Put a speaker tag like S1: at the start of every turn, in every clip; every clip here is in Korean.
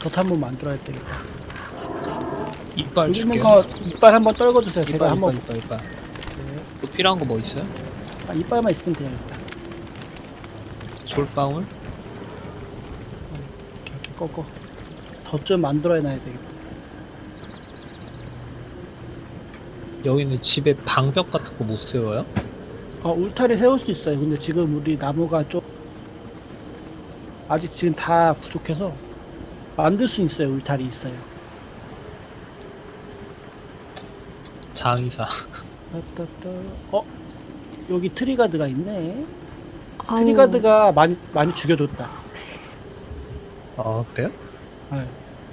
S1: 덫 한번 만들어야 되겠다.
S2: 이빨
S1: 여기 있는
S2: 줄게요.
S1: 거 이빨 한번 떨궈주세요. 제가 한번
S2: 이빨. 또 필요한 거 뭐 있어요?
S1: 이빨만 있으면 돼요. 일단.
S2: 솔방울?
S1: 이렇게 꺾어. 덫 좀 만들어야 놔야 되겠다.
S2: 여기는 집에 방벽 같은 거 못 세워요?
S1: 울타리 세울 수 있어요. 근데 지금 우리 나무가 좀 아직 지금 다 부족해서 만들 수 있어요. 울타리 있어요.
S2: 장의사.
S1: 따따따. 여기 트리가드가 있네.
S3: 아우,
S1: 트리가드가 많이 죽여줬다.
S2: 아 그래요?
S1: 네.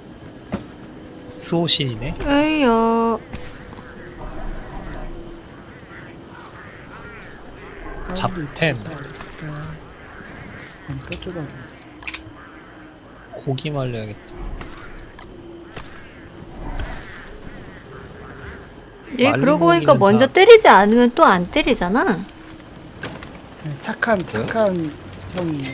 S2: 수호신이네.
S3: 에이야.
S2: 잡템.
S1: 뼈조각.
S2: 고기 말려야겠다.
S3: 얘
S2: 말린
S3: 그러고 보니까
S2: 고기는
S3: 먼저
S2: 다-
S3: 때리지 않으면 또 안 때리잖아.
S1: 착한 형이에요.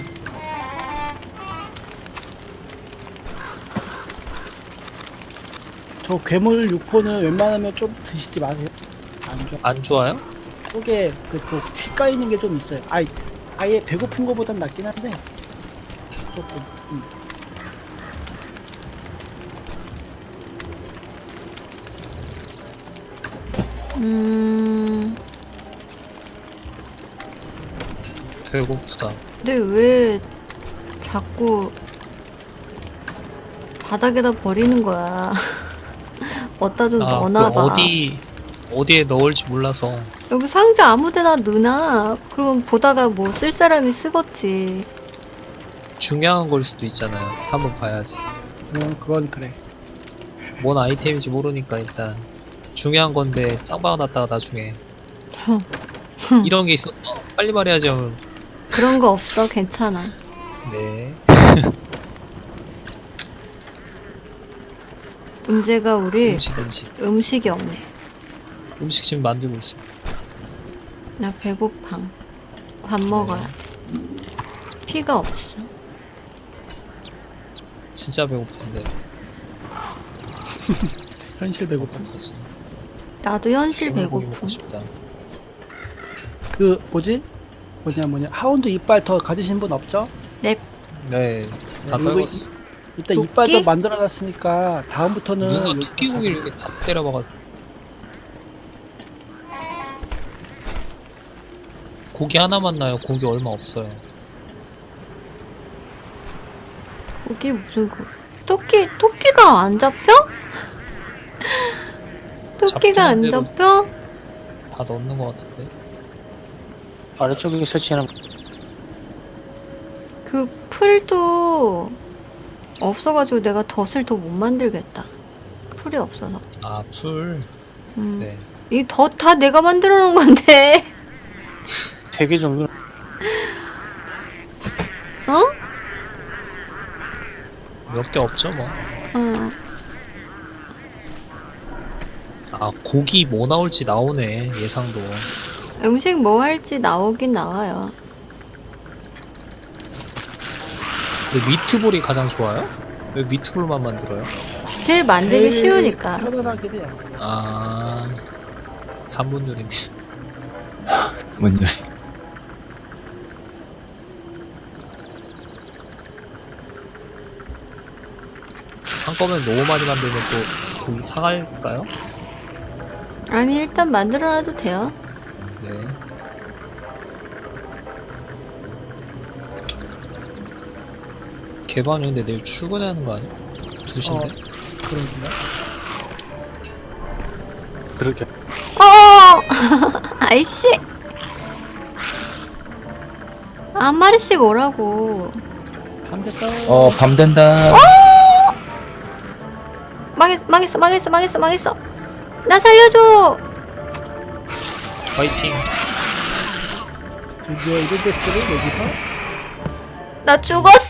S1: 저 괴물 육포는 웬만하면 좀 드시지 마세요. 안 좋아.
S2: 안 좋아요?
S1: 속에 피 까이는 게 좀 있어요. 아예 배고픈 거보단 낫긴 한데 조금.
S2: 배고프다.
S3: 근데 왜 자꾸 바닥에다 버리는 거야? 어디다 좀 넣어놔봐.
S2: 어디에 넣을지 몰라서.
S3: 여기 상자 아무데나 넣으나? 그럼 보다가 뭐 쓸 사람이 쓰겠지.
S2: 중요한 걸 수도 있잖아요. 한번 봐야지.
S1: 그건 그래.
S2: 뭔 아이템인지 모르니까 일단 중요한 건데 짱 박아놨다가 나중에 이런 게 있어. 빨리 말해야지 하면
S3: 그런 거 없어. 괜찮아.
S2: 네.
S3: 문제가 우리
S2: 음식
S3: 이 없네.
S2: 음식 지금 만들고 있어.
S3: 나 배고파. 밥 먹어야 돼. 피가 없어.
S2: 진짜 배고픈데.
S1: 현실 배고픔.
S2: 어떡하지?
S3: 나도 현실
S2: 고기 먹고
S3: 배고픔.
S2: 싶다.
S1: 뭐냐 하운드 이빨 더 가지신 분 없죠?
S3: 넵.
S2: 네. 다
S1: 이거
S2: 떨궜어.
S1: 일단
S3: 토끼?
S1: 이빨 더 만들어놨으니까 다음부터는
S2: 누가
S1: 여기
S2: 토끼 고기를 이렇게 다 때려박아서. 고기 하나만 나요. 고기 얼마 없어요.
S3: 거기 무슨 토끼가 안 잡혀? 토끼가 안
S2: 잡히는 대로-
S3: 잡혀?
S2: 다 넣는 것 같은데.
S4: 아래쪽에 설치하는
S3: 그 풀도 없어가지고 내가 덫을 더 못 만들겠다. 풀이 없어서.
S2: 아, 풀. 네.
S3: 이 덫 다 내가 만들어 놓은 건데.
S4: 3개 정도.
S3: 어?
S2: 몇 개 없죠, 뭐.
S3: 어.
S2: 아, 고기 뭐 나올지 나오네. 예상도.
S3: 음식 뭐 할지 나오긴 나와요.
S2: 근데 미트볼이 가장 좋아요? 왜 미트볼만 만들어요?
S3: 제일 만들기 쉬우니까.
S1: 편안하게 돼요.
S2: 아, 3분 요리인데.
S4: 뭔 요리?
S2: 한꺼번에 너무 많이 만들면 또 고기 상할까요?
S3: 아니 일단 만들어놔도 돼요.
S2: 네. 개반이 근데 내일 출근해야 하는 거 아니야? 2시인데?
S1: 그런가?
S4: 그렇게.
S3: 아이씨. 한 마리씩 오라고.
S1: 밤 됐다.
S4: 밤 된다.
S3: 망했어. 나 살려줘.
S2: 파이팅!
S1: 드디어 이르데스를 여기서
S3: 나 죽었어.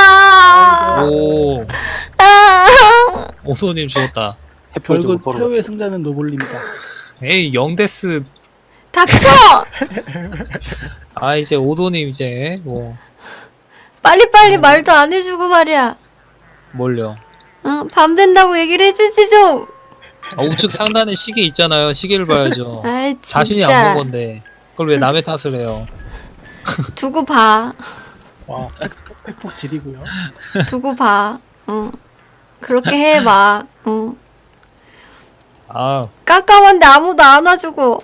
S2: 오,
S3: 아.
S2: 오소님 죽었다.
S1: 결국 최후의 승자는 노블입니다.
S2: 에이, 영데스.
S3: 닥쳐.
S2: 아, 이제 오도님 이제, 뭐,
S3: 빨리빨리 말도 안 해주고 말이야.
S2: 뭘요?
S3: 밤 된다고 얘기를 해주지 좀.
S2: 우측 상단에 시계 있잖아요. 시계를 봐야죠.
S3: 아이 진짜.
S2: 자신이 안 본 건데 그걸 왜 남의 탓을 해요?
S3: 두고 봐.
S1: 와, 팩폭 지리고요.
S3: 두고 봐. 그렇게 해 막.
S2: 아,
S3: 깜깜한데 아무도 안 와주고.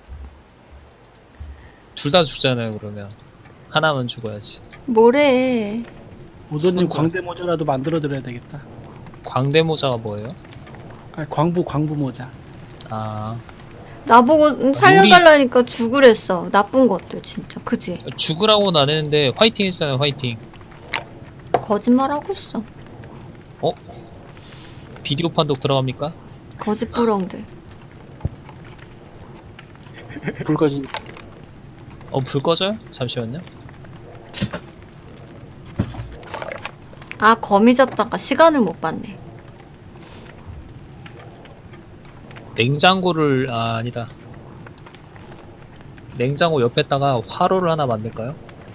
S2: 둘 다 죽잖아요. 그러면 하나만 죽어야지.
S3: 뭐래.
S1: 오더님
S2: 손절.
S1: 광대 모자라도 만들어 드려야 되겠다.
S2: 광대 모자가 뭐예요?
S1: 아니, 광부 모자.
S2: 아,
S3: 나보고 살려달라니까 죽으랬어. 나쁜 것들 진짜. 그지?
S2: 죽으라고는 안 했는데 화이팅 했잖아요. 화이팅.
S3: 거짓말하고 있어.
S2: 비디오 판독 들어갑니까?
S3: 거짓부렁들.
S4: 불 꺼진.
S2: 불 꺼져요? 잠시만요.
S3: 아 거미 잡다가 시간을 못 봤네.
S2: 냉장고를 아니다. 냉장고 옆에다가 화로를 하나 만들까요?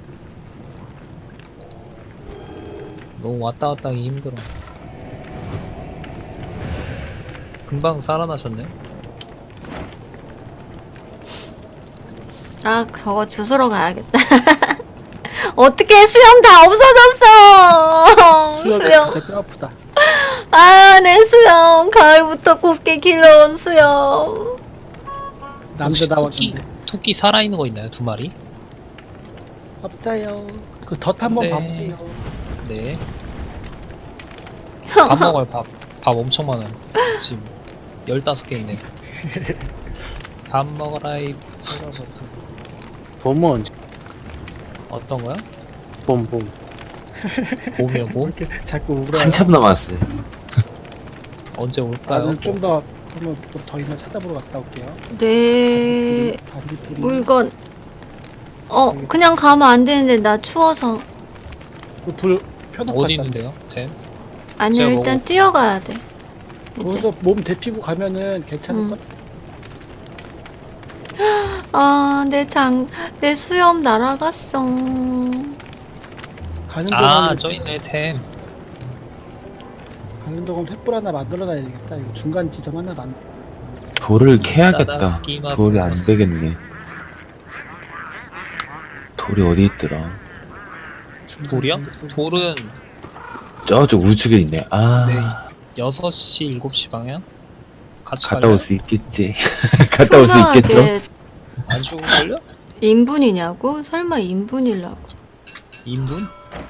S2: 너무 왔다 갔다 하기 힘들어. 금방 살아나셨네.
S3: 아 저거 주스러 가야겠다. 어떻게 수염 다 없어졌어.
S1: 수염이
S3: 수염.
S1: 진짜 뼈 아프다.
S3: 아 내 수염. 가을부터 곱게 길러온 수염.
S1: 남자 나왔는데.
S2: 토끼 살아있는 거 있나요? 2마리?
S1: 없자요. 그 덫 한번
S2: 네.
S1: 봐보세요.
S2: 네. 밥 먹어요. 밥 엄청 많아요. 지금 15개 있네. 밥 먹어라이.
S4: 봄은 언제?
S2: 어떤 거요?
S4: 봄.
S2: 봄이요, 봄?
S1: 이렇게 자꾸 울어요.
S4: 한참 남았어요.
S2: 언제 올까요?
S1: 나는 좀 더 한번 더 있나 찾아보러 갔다 올게요.
S3: 내
S1: 반딧불이.
S3: 물건. 그냥 가면 안 되는데 나 추워서.
S1: 불 펴놓고
S2: 어디
S1: 갔다.
S2: 있는데요? 템?
S3: 아니
S2: 제가
S3: 일단
S2: 먹어.
S3: 뛰어가야 돼. 이제.
S1: 거기서 몸 데피고 가면은 괜찮을 것.
S3: 내 수염 날아갔어.
S1: 가는
S2: 아,
S1: 동안
S2: 저 있네, 템.
S1: 가는 동안 횃불 하나 만들어놔야 되겠다. 이거 중간 지점 하나 만.
S4: 돌을 캐야겠다.
S2: 따다끼마스.
S4: 돌이 안 되겠네. 돌이 어디 있더라?
S2: 돌이요? 돌은
S4: 저쪽 우측에 있네.
S2: 네, 6시, 7시 방향? 같이
S4: 갔다
S2: 갈래요?
S4: 올 수 있겠지. 갔다 올 수 있겠죠?
S3: 투명하게
S2: 안 죽을걸요?
S3: 인분이냐고? 설마 인분이라고?
S2: 인분?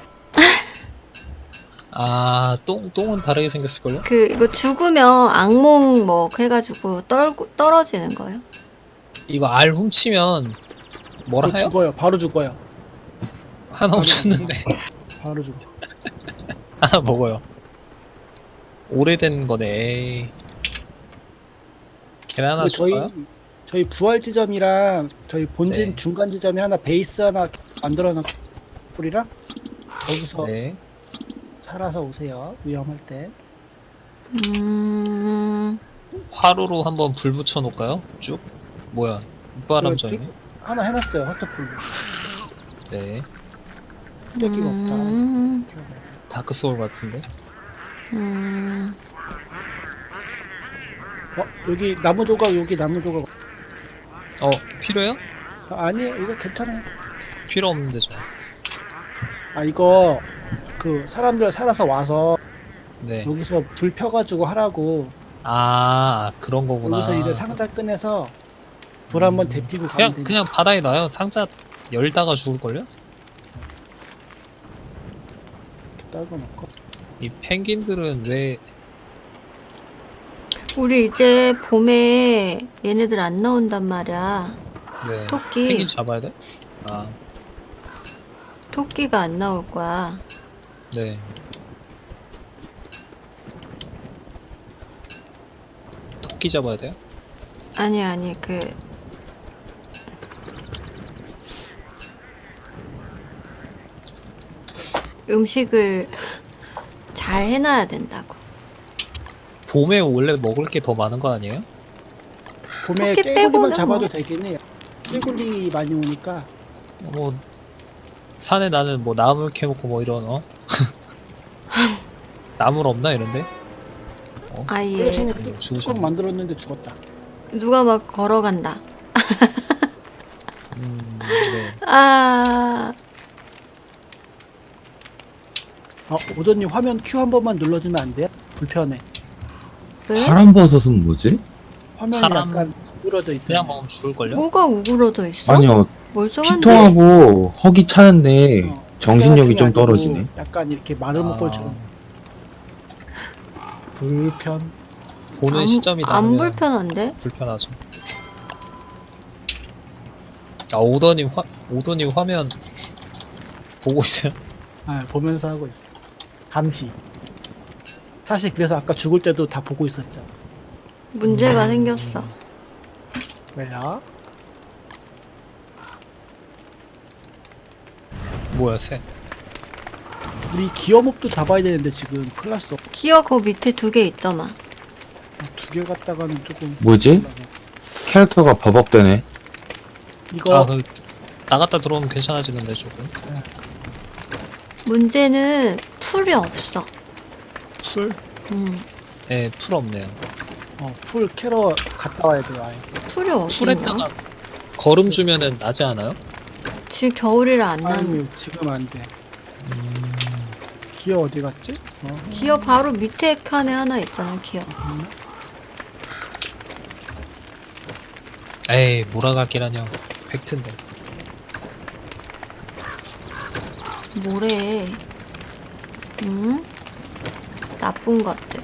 S2: 아, 똥은 다르게 생겼을걸요?
S3: 이거 죽으면 악몽 뭐 해가지고 떨어지는 거예요?
S2: 이거 알 훔치면 뭐라
S1: 그거
S2: 해요?
S1: 죽어요. 바로 죽어요.
S2: 하나 훔쳤는데
S1: 바로 죽어.
S2: 하나 먹어요. 오래된 거네. 에이. 계란 하나
S1: 그
S2: 줄까요?
S1: 저희 부활 지점이랑 저희 본진
S2: 네.
S1: 중간 지점에 하나 베이스 하나 만들어놓은 뿔이랑 거기서
S2: 네.
S1: 살아서 오세요. 위험할 때.
S2: 화로로 한번 불 붙여 놓을까요? 쭉? 뭐야? 바람전이네.
S1: 쭉 하나 해놨어요. 화터풀.
S2: 네.
S1: 떼기가 없다.
S2: 다크 소울 같은데.
S1: 여기 나무 조각 여기 나무 조각.
S2: 필요해요?
S1: 아니에요. 이거 괜찮아요.
S2: 필요 없는데 저.
S1: 이거 그 사람들 살아서 와서
S2: 네.
S1: 여기서 불 펴가지고 하라고.
S2: 아, 그런 거구나.
S1: 여기서 이제 상자 꺼내서 불 한번 데피고 가면 되니까.
S2: 그냥 바다에 놔요. 상자 열다가 죽을걸요?
S1: 떨궈놓고.
S2: 이 펭귄들은 왜
S3: 우리 이제 봄에 얘네들 안 나온단 말이야.
S2: 네.
S3: 토끼.
S2: 펭귄 잡아야 돼? 아,
S3: 토끼가 안 나올 거야.
S2: 네. 토끼 잡아야 돼요?
S3: 아니 음식을 잘 해놔야 된다고.
S2: 봄에 원래 먹을 게 더 많은 거 아니에요?
S1: 봄에
S3: 토끼
S1: 깨구리만
S3: 빼고는
S1: 잡아도
S3: 뭐.
S1: 되긴 해요. 깨구리 많이 오니까.
S2: 뭐 산에 나는 뭐 나물 캐먹고 뭐 이런 나물 없나 이런데?
S3: 아예
S1: 플래시님 뚜껑
S2: 죽으셨네.
S1: 만들었는데 죽었다.
S3: 누가 막 걸어간다.
S2: 네.
S3: 아
S1: 오더님 화면 Q 한 번만 눌러주면 안 돼요? 불편해.
S3: 왜?
S4: 파란 버섯은 뭐지?
S1: 화면이
S2: 사람-
S1: 약간 구부러져 있잖아.
S2: 그냥 먹으면 죽을걸요?
S3: 뭐가 우그러져 있어?
S4: 아니요,
S3: 멀쩡한데?
S4: 피통하고 허기 차는데 정신력이 좀
S1: 아니고
S4: 떨어지네.
S1: 약간 이렇게 마른 목걸처럼 불편.
S2: 보는
S3: 안-
S2: 시점이
S3: 안
S2: 다르면
S3: 불편한데?
S2: 불편하죠. 오더님 화면 보고 있어요?
S1: 보면서 하고 있어. 감시. 사실 그래서 아까 죽을 때도 다 보고 있었죠.
S3: 문제가 생겼어.
S1: 왜요?
S2: 뭐야, 새.
S1: 우리 기어몹도 잡아야 되는데 지금 클라스
S3: 기어 그 밑에 2개 있더만.
S1: 2개 갔다가는 조금
S4: 뭐지? 캐릭터가 버벅대네.
S1: 이거
S2: 나갔다 들어오면 괜찮아지는데, 조금.
S3: 문제는 풀이 없어.
S2: 풀? 네, 풀 없네요.
S1: 풀 캐러 갔다 와야 돼요. 아예.
S3: 풀이 어딨냐?
S2: 풀에다가 걸음 주면은 나지 않아요?
S3: 지금 겨울이라 안 나는.
S1: 아니 지금 안 돼. 기어 어디 갔지?
S3: 기어 바로 밑에 칸에 하나 있잖아, 기어.
S2: 에이, 몰아가기라뇨. 팩트인데.
S3: 뭐래. 응? 나쁜 것들.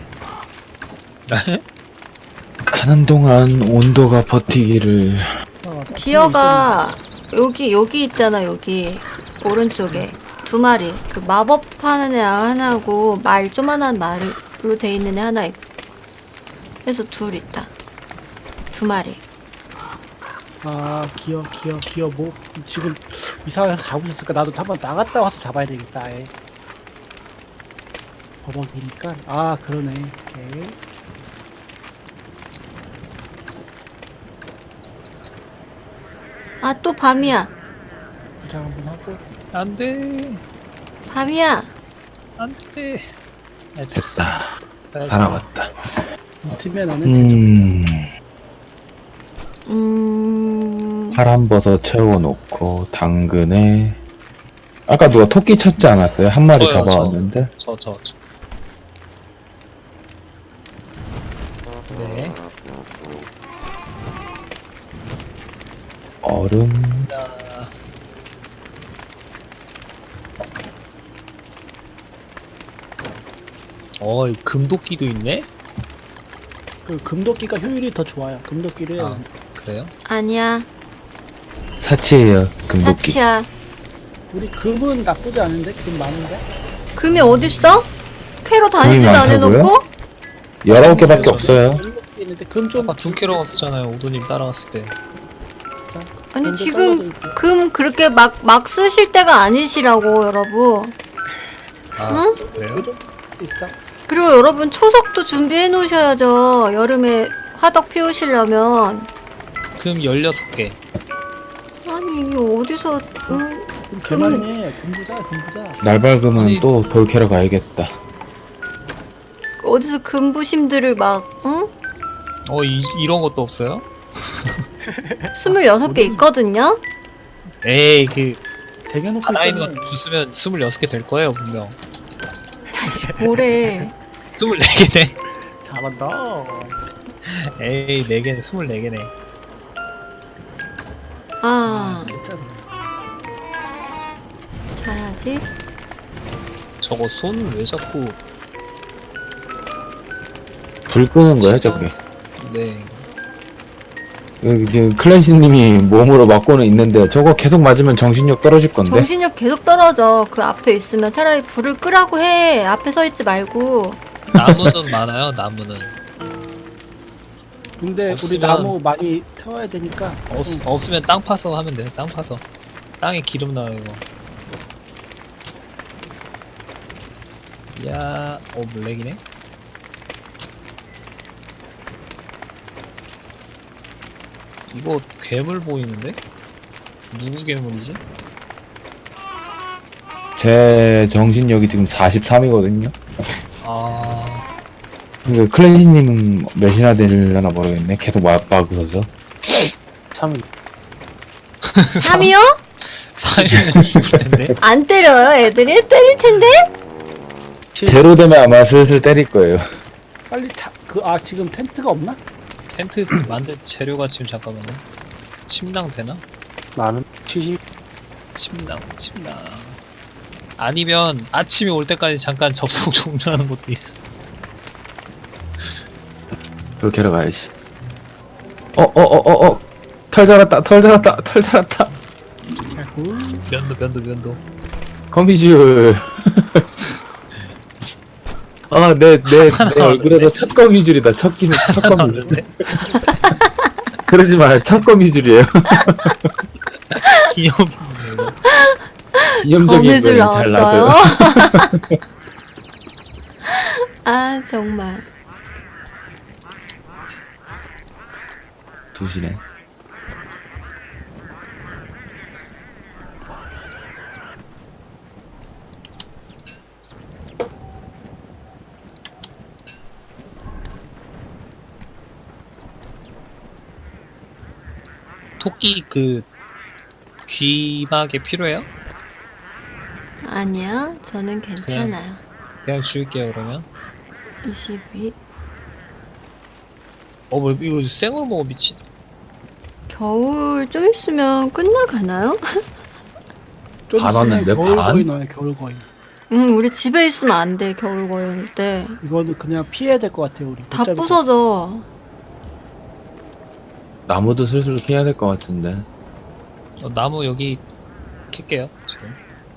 S4: 가는 동안 온도가 버티기를.
S3: 기어가 여기 있잖아, 여기. 오른쪽에. 2마리. 그 마법 하는 애 하나고 말 조만한 말로 돼 있는 애 하나 있고. 해서 2 있다. 2마리.
S1: 기어 뭐 지금 이상해서 잡으셨을까? 나도 한번 나갔다 와서 잡아야 되겠다. 아예. 버벅이니까 그러네. 오케이.
S3: 아, 또 밤이야.
S1: 부장 한번 하고.
S2: 안 돼.
S3: 밤이야.
S2: 안 돼.
S4: 됐다.
S2: 자,
S4: 살아왔다.
S1: 팀에 나는 제적.
S4: 파란 버섯 채워놓고 당근에 아까 누가 토끼 찾지 않았어요? 한 마리
S2: 저요,
S4: 잡아왔는데.
S2: 저. 네.
S4: 얼음.
S2: 자, 이 금도끼도 있네?
S1: 그 금도끼가 효율이 더 좋아요. 금도끼를
S2: 그래요?
S3: 아니야.
S4: 사치예요, 금도끼.
S3: 사치야.
S1: 우리 금은 나쁘지 않은데 금 많은데.
S3: 금이 어딨어? 캐러 다니지도
S4: 금이
S3: 안
S4: 많다고요?
S3: 해놓고?
S4: 19개밖에 없어요.
S1: 있는데 금좀
S2: 아까 2kg 갔었잖아요, 오도님 따라갔을 때.
S3: 아니, 지금 금 그렇게 막 쓰실 때가 아니시라고, 여러분. 응?
S2: 그래요?
S1: 있어.
S3: 그리고 여러분, 초석도 준비해 놓으셔야죠. 여름에 화덕 피우시려면.
S2: 금 16개.
S3: 아니, 이게 어디서, 응?
S1: 그만해. 금부자.
S4: 날 밝으면
S2: 아니-
S4: 또 돌 캐러 가야겠다.
S3: 어디서 금부심들을 막, 응?
S2: 이런 것도 없어요?
S3: 26개 있거든요?
S2: 에이,
S1: 쟁여놓고
S2: 하나 있는
S1: 있으면
S2: 거 주스면 26개 될 거예요, 분명.
S3: 뭐래.
S2: 24개네.
S1: 잘한다.
S2: 에이, 4개네, 24개네.
S1: 됐잖아.
S3: 자야지.
S2: 저거 손을 왜 자꾸.
S4: 불 끄는 거야, 저게.
S2: 네.
S4: 여기 지금 클랜시님이 몸으로 맞고는 있는데 저거 계속 맞으면 정신력 떨어질 건데.
S3: 정신력 계속 떨어져. 그 앞에 있으면 차라리 불을 끄라고 해. 앞에 서 있지 말고.
S2: 나무는 많아요, 나무는.
S1: 근데 우리
S2: 없으면-
S1: 나무 많이 태워야 되니까.
S2: 없으면 땅 파서 하면 돼요, 땅 파서. 땅에 기름 나와요, 이거. 야, 블랙이네? 이거 괴물 보이는데? 누구 괴물이지?
S4: 제 정신력이 지금 43이거든요. 근데 클랜시님은 몇이나 되려나 모르겠네. 계속 막으셔서.
S1: 참
S3: 3이요?
S2: 4일 죽을 텐데.
S3: 안 때려요 애들이? 때릴 텐데?
S4: 제로 되면 아마 슬슬 때릴 거예요.
S1: 빨리 지금 텐트가 없나?
S2: 텐트 만들 재료가 지금 잠깐만요. 침낭 되나?
S1: 나는 70.
S2: 침낭. 아니면 아침이 올 때까지 잠깐 접속 종료하는 것도 있어.
S4: 그렇게 하러 가야지. 털 자랐다.
S2: 면도.
S4: 거미줄. 내 얼굴에서 첫 거미줄이다. 첫 거미줄.
S2: 나왔는데
S4: 그러지 마. 첫 거미줄이에요.
S2: 기념이네 이거.
S4: 기념적인
S3: 거미줄
S4: 거예요. 잘
S3: 나왔어요?
S4: 나고요.
S3: 아 정말.
S4: 2시네.
S2: 토끼 귀마개 필요해요?
S3: 아니요 저는 괜찮아요.
S2: 그냥 줄게요 그러면.
S3: 22.
S2: 뭐 이거 생으로 먹어 미친.
S3: 겨울 좀 있으면 끝나가나요?
S1: 좀
S4: 반
S1: 있으면
S4: 왔는데,
S1: 겨울
S4: 반?
S1: 거인 나와요. 겨울 거인.
S3: 우리 집에 있으면 안 돼 겨울 거일 때.
S1: 이거는 그냥 피해야 될 것 같아요. 우리
S3: 다
S1: 못 잡을 것
S3: 부서져.
S4: 나무도 슬슬 캐야 될 것 같은데.
S2: 나무 여기 캘게요 지금.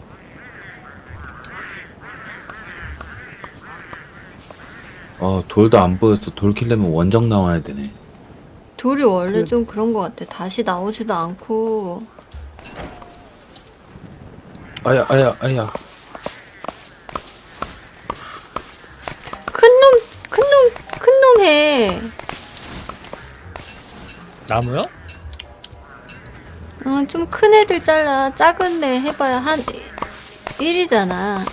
S4: 돌도 안 보여서 돌 킬려면 원정 나와야 되네.
S3: 돌이 원래
S1: 그-
S3: 좀 그런 것 같아. 다시 나오지도 않고.
S4: 아야.
S3: 큰 놈 해.
S2: 나무요?
S3: 좀 큰 애들 잘라. 작은 애 해봐야 한 1이잖아.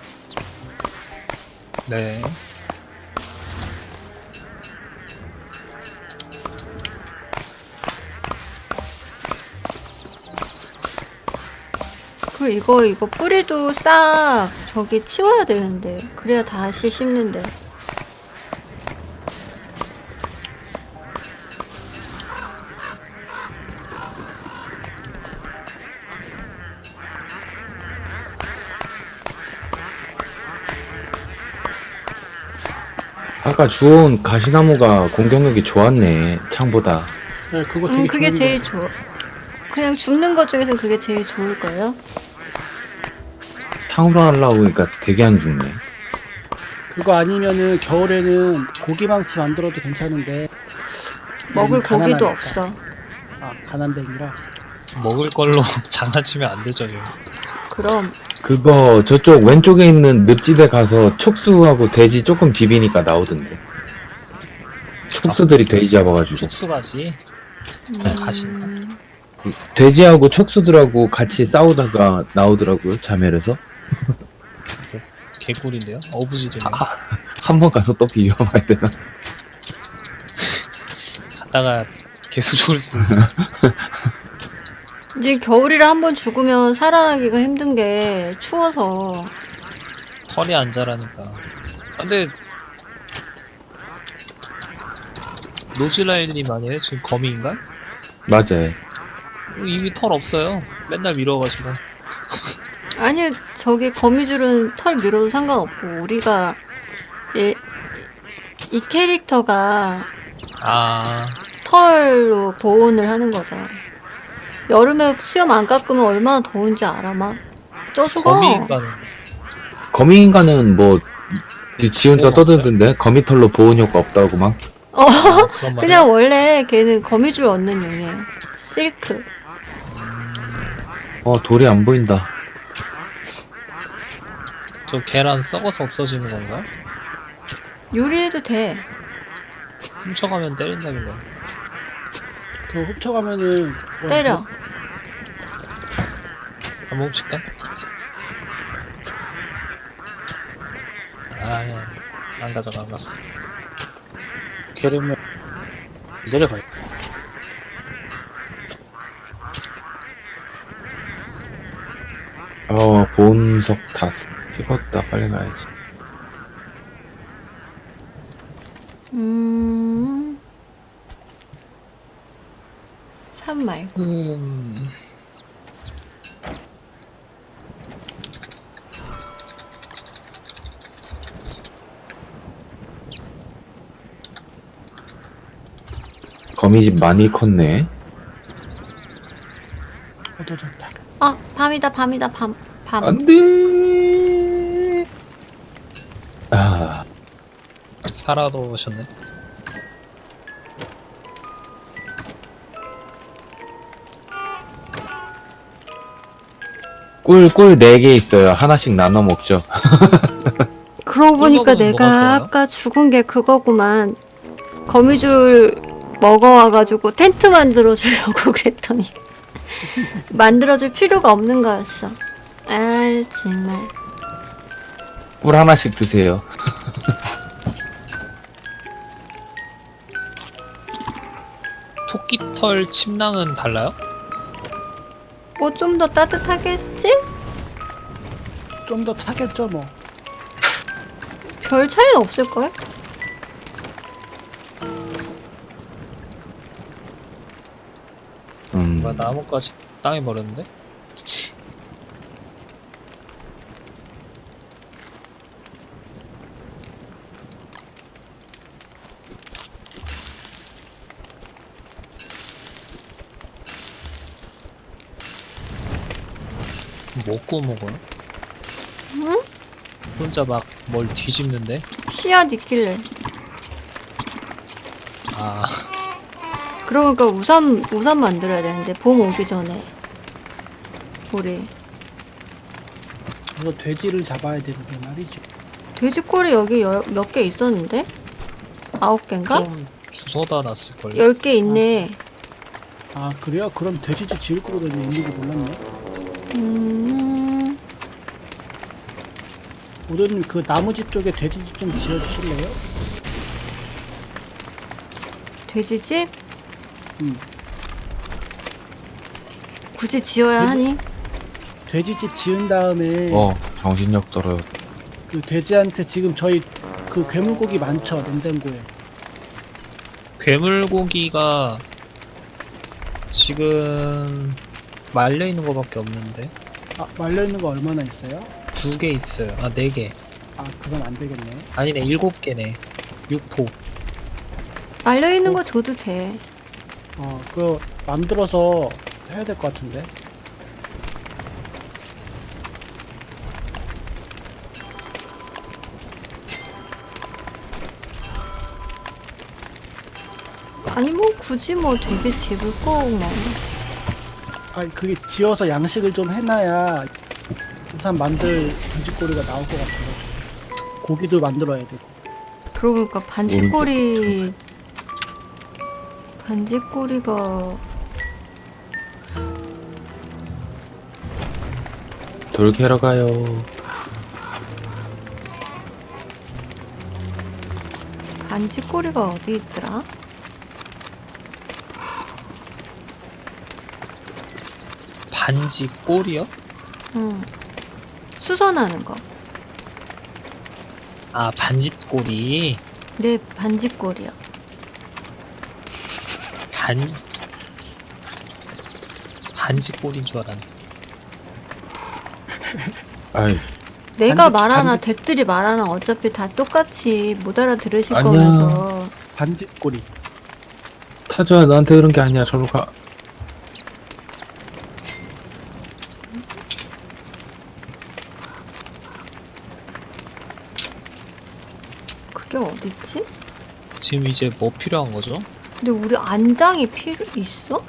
S2: 네.
S3: 그리고 이거 뿌리도 싹 저기 치워야 되는데. 그래야 다시 심는데.
S4: 아까 주운 가시나무가 공격력이 좋았네. 창보다.
S1: 같아요. 네, 그거 되게
S3: 그게
S1: 좋은
S3: 제일
S1: 거.
S3: 좋아. 그냥 줍는 것 중에선 그게 제일 좋을걸요?
S4: 창으로 하려고 보니까 되게 안 죽네.
S1: 그거 아니면은 겨울에는 고기망치 만들어도 괜찮은데
S3: 먹을 고기도
S1: 가난하니까.
S3: 없어.
S1: 가난뱅이라.
S2: 먹을 걸로 장난치면 안 되죠 이거.
S3: 그럼
S4: 그거 저쪽 왼쪽에 있는 늪지대 가서 촉수하고 돼지 조금 비비니까 나오던데. 촉수들이 돼지 잡아가지고.
S2: 촉수가지. 가신가?
S4: 돼지하고 촉수들하고 같이 싸우다가 나오더라고요. 자멸해서.
S2: 개꿀인데요? 어부지리네요.
S4: 한 번 가서 또 비벼봐야 되나?
S2: 갔다가 계속 죽을 수 있어.
S3: 이제 겨울이라 한 번 죽으면 살아나기가 힘든 게 추워서.
S2: 털이 안 자라니까. 근데 노즈라일님 아니에요? 지금 거미인가?
S4: 맞아요.
S2: 이미 털 없어요. 맨날 밀어가지고.
S3: 아니 저기 거미줄은 털 밀어도 상관없고 우리가 이 캐릭터가
S2: 아,
S3: 털로 보온을 하는 거죠. 여름에 수염 안 깎으면 얼마나 더운지 알아? 막 쪄 죽어.
S2: 거미인가는
S4: 거미인간은 뭐 지 혼자
S2: 보온
S4: 떠들던데 거미털로 보온 효과 없다고 막.
S2: 그런 말이야?
S3: 그냥 원래 걔는 거미줄 얻는 용이에요. 실크.
S4: 돌이 안 보인다.
S2: 저 계란 썩어서 없어지는 건가?
S3: 요리해도 돼.
S2: 훔쳐가면 때린다길래.
S1: 그거 훔쳐가면은
S3: 때려.
S2: 한번 훔칠까? 아니야. 안 가져가, 안 가서.
S1: 게르면 내려가요.
S4: 보온석 다 찍었다. 빨리 가야지.
S3: 산 말고.
S4: 거미집 많이 컸네.
S1: 어두워졌다.
S3: 아, 밤이다, 밤이다, 밤.
S4: 안 돼. 아,
S2: 살아도 오셨네.
S4: 꿀 4개 있어요. 하나씩 나눠 먹죠.
S3: 그러고 보니까
S2: 먹으면 뭐가
S3: 내가
S2: 좋아요?
S3: 아까 죽은 게 그거구만. 거미줄 먹어와가지고 텐트 만들어주려고 그랬더니 만들어줄 필요가 없는 거였어. 아, 정말.
S4: 꿀 하나씩 드세요.
S2: 토끼털 침낭은 달라요?
S3: 뭐 좀 더 따뜻하겠지?
S1: 좀 더 차겠죠 뭐.
S3: 별 차이는 없을걸?
S2: 뭐 나뭇가지 땅에 버렸는데? 뭐 구워 먹어요?
S3: 응?
S2: 혼자 막 뭘 뒤집는데?
S3: 씨앗 있길래.
S2: 아,
S3: 그러니까 우산 만들어야 되는데 봄 오기 전에 우리
S1: 그래서 돼지를 잡아야 되는데 말이죠.
S3: 돼지꼬리 여기 몇 개 있었는데? 9개인가?
S2: 좀 주워다 놨을걸요?
S3: 10개 있네.
S1: 아 그래요? 그럼 돼지집 지을 거로 있는지 몰랐네. 오늘은 그 나무집 쪽에 돼지집 좀 지어주실래요?
S3: 돼지집?
S1: 음.
S3: 굳이 지어야 하니?
S1: 돼지집 지은 다음에
S4: 정신력 떨어.
S1: 그 돼지한테 지금 저희 그 괴물고기 많죠 냉장고에.
S2: 괴물고기가 지금 말려 있는 거밖에 없는데
S1: 아 말려 있는 거 얼마나 있어요?
S2: 2개 있어요. 아, 4개.
S1: 아 그건 안 되겠네.
S2: 아니네, 7개네. 6포.
S3: 말려있는 거 줘도 돼.
S1: 그거 만들어서 해야 될 것 같은데.
S3: 아니 뭐 굳이 뭐 돼지집을 꼭 뭐.
S1: 아 그게 지어서 양식을 좀 해놔야 우산 만들 돼지꼬리가 나올 것 같아요. 고기도 만들어야 되고.
S3: 그러고 보니까 반지꼬리가
S4: 돌 캐러 가요.
S3: 반지꼬리가 어디 있더라?
S2: 반지 꼬리요?
S3: 응. 수선하는 거.
S2: 아, 반지 꼬리.
S3: 네, 반지꼬리요.
S2: 반지 꼬리인 줄 알았네.
S4: 아이,
S3: 내가
S1: 반지-
S3: 말하나
S1: 반지-
S3: 댁들이 말하나 어차피 다 똑같이 못 알아들으실
S4: 아니야.
S3: 거면서.
S1: 반지꼬리.
S4: 타조야, 너한테 그런 게 아니야. 저로 가.
S3: 그게 어딨지?
S2: 지금 이제 뭐 필요한 거죠?
S3: 근데 우리 안장이 있어?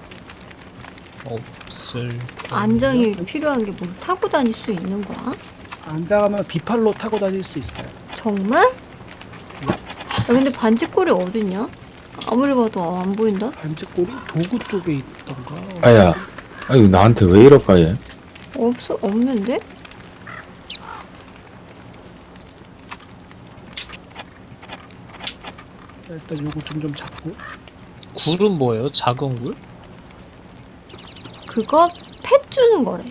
S2: 없을.
S3: 안장이 필요한 게 뭐 타고 다닐 수 있는 거야?
S1: 안장하면 비팔로 타고 다닐 수 있어요.
S3: 정말? 야, 근데 반지꼬리 어딨냐? 아무리 봐도 안 보인다?
S1: 반지꼬리 도구 쪽에 있던가.
S4: 아야, 아유, 나한테 왜 이럴까, 얘?
S3: 없는데?
S1: 일단 요거 좀 잡고.
S2: 굴은 뭐예요? 작은 굴?
S3: 그거 펫 주는 거래.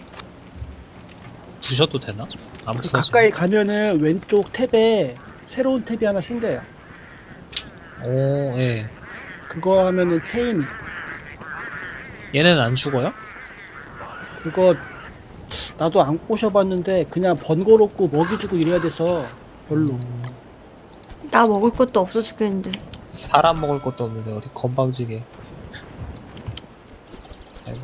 S2: 부셔도 되나? 안
S1: 그
S2: 부서지.
S1: 가까이 가면은 왼쪽 탭에 새로운 탭이 하나 생겨요.
S2: 오, 예.
S1: 그거 하면은 테임.
S2: 얘네는 안 죽어요?
S1: 그거 나도 안 꼬셔봤는데 그냥 번거롭고 먹이 주고 이래야 돼서 별로.
S3: 나 먹을 것도 없어 죽겠는데.
S2: 사람 먹을 것도 없는데 어디 건방지게. 아이고.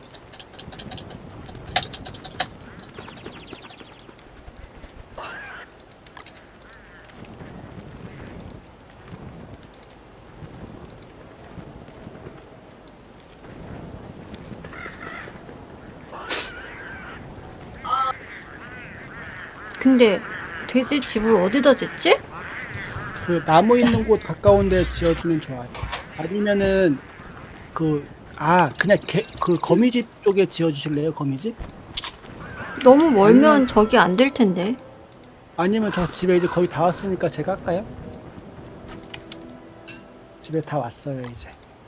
S3: 근데 돼지 집을 어디다 짓지?
S1: 그 나무 있는 곳 가까운데 지어주면 좋아요. 아니면은 그냥 그 거미집 쪽에 지어주실래요? 거미집?
S3: 너무 멀면 저기 안 될 텐데.
S1: 아니면 저 집에 이제 거의 다 왔으니까 제가 할까요? 집에 다 왔어요 이제.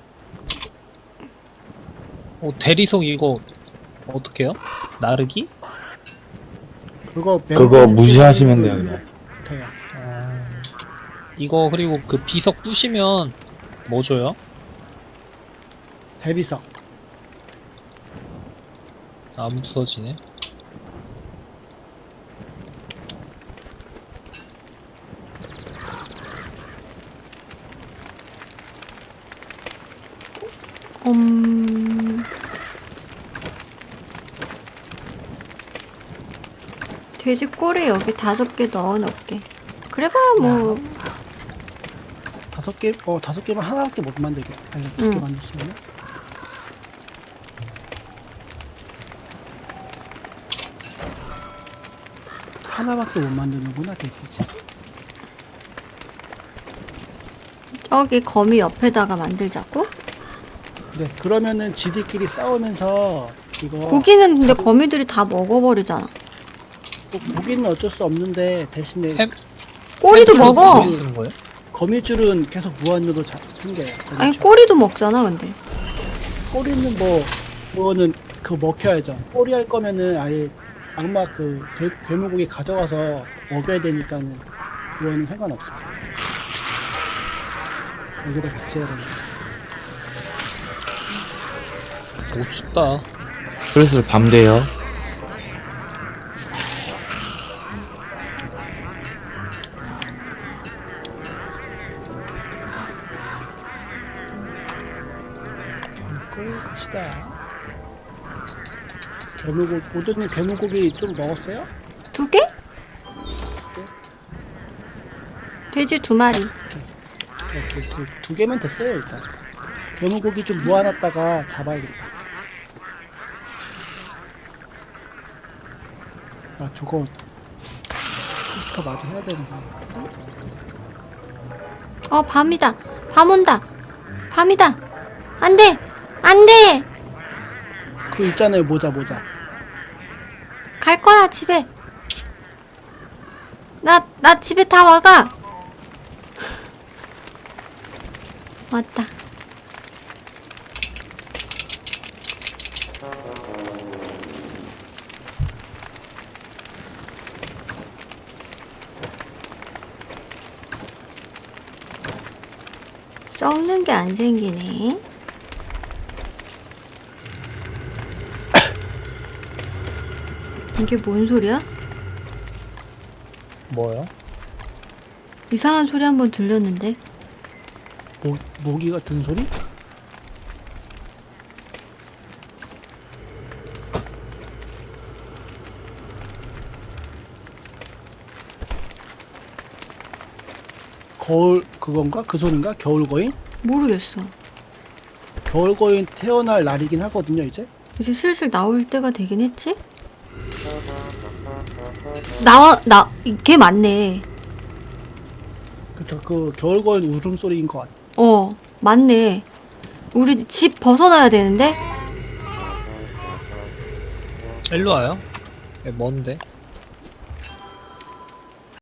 S2: 대리석 이거 어떻게 해요? 나르기?
S1: 그거
S4: 무시하시면 돼요, 그냥.
S1: 돼요.
S2: 이거 그리고 그 비석 부시면 뭐 줘요?
S1: 대리석.
S2: 안 부서지네.
S3: 돼지 꼬리 여기 5개 넣어놓을게. 그래봐야 뭐.
S1: 5개? 5개면 하나밖에 못 만들게. 아니, 2개
S3: 응.
S1: 만들었으면. 하나밖에 못 만드는구나, 돼지집.
S3: 저기 거미 옆에다가 만들자고?
S1: 네, 그러면은 지들끼리 싸우면서 이거
S3: 고기는 근데 거미들이 다 먹어버리잖아.
S1: 고기는 어쩔 수 없는데 대신에
S2: 햄?
S3: 꼬리도
S2: 햄
S3: 먹어.
S2: 어떻게 쓰는 거예요?
S1: 거미줄은 계속 무한으로 생겨요.
S3: 아니
S1: 거미줄.
S3: 꼬리도 먹잖아 근데.
S1: 꼬리는 그거는 먹혀야죠. 꼬리 할 거면은 아예 악마 괴물고기 가져가서 먹여야 되니까는 그거는 상관없어요. 여기다 같이 해야 되니까.
S2: 오 춥다.
S4: 슬슬 밤 돼요.
S1: 먹고 갑시다. 오더님 괴물고기 좀 먹었어요?
S3: 2개? 돼지 2마리.
S1: 이렇게 두 개면 됐어요 일단. 괴물고기 좀 모아놨다가 잡아야겠다. 아 저거 테스터 마저 해야 되는데.
S3: 밤이다. 밤 온다. 밤이다. 안 돼. 안 돼.
S1: 그 있잖아요 모자.
S3: 갈 거야 집에. 나 집에 다 와가. 왔다. 썩는 게 안 생기네. 이게 뭔 소리야?
S2: 뭐요?
S3: 이상한 소리 한번 들렸는데.
S1: 모기 같은 소리? 거울 그건가? 그 소린가? 겨울 거인?
S3: 모르겠어.
S1: 겨울 거인 태어날 날이긴 하거든요 이제.
S3: 이제 슬슬 나올 때가 되긴 했지? 걔 맞네.
S1: 그쵸 그 겨울 거인 울음소리인 것 같아.
S3: 맞네. 우리 집 벗어나야 되는데?
S2: 일로 와요. 먼데.